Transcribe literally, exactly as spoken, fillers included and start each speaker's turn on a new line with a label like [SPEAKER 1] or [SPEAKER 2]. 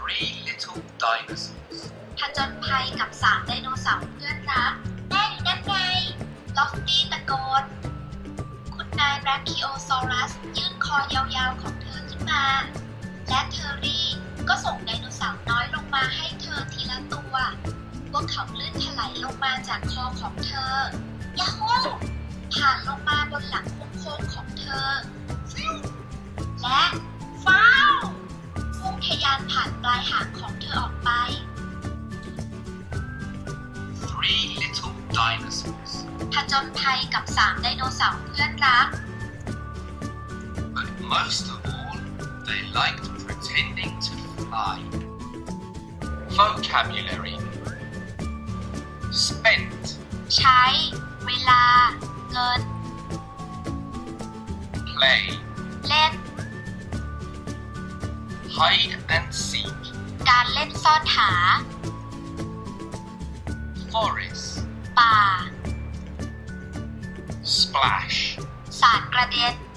[SPEAKER 1] Three little dinosaurs.
[SPEAKER 2] ผจญภัยกับสามไดโนเสาร์เพื่อนรักแม่อยู่ด้านในลอฟตี้ตะโกนคุณนายแบรคิโอซอรัสยื่นคอยาวๆของเธอขึ้นมาและเทอร์รี่ก็ส่งไดโนเสาร์น้อยลงมาให้เธอทีละตัวพวกเขาลื่นถลายลงมาจากคอของเธอยาฮูผ่านลงมาบนหลังโค้งๆของเธอและฟ้าวพุ่งทะยานผ่านปลายหางของเธอออกไป
[SPEAKER 1] Three little dinosaurs.
[SPEAKER 2] ผจญภัยกับสามไดโนเสาร์เพื่อนรัก
[SPEAKER 1] But most of all, they liked pretending to fly. Vocabulary. Spent.
[SPEAKER 2] ใช้ เวลา เงิน
[SPEAKER 1] Play.
[SPEAKER 2] เล่น
[SPEAKER 1] Hide and seek.
[SPEAKER 2] การเล่นซ่อนหา
[SPEAKER 1] Forest.
[SPEAKER 2] ป่า
[SPEAKER 1] Splash.
[SPEAKER 2] สาดกระเด็น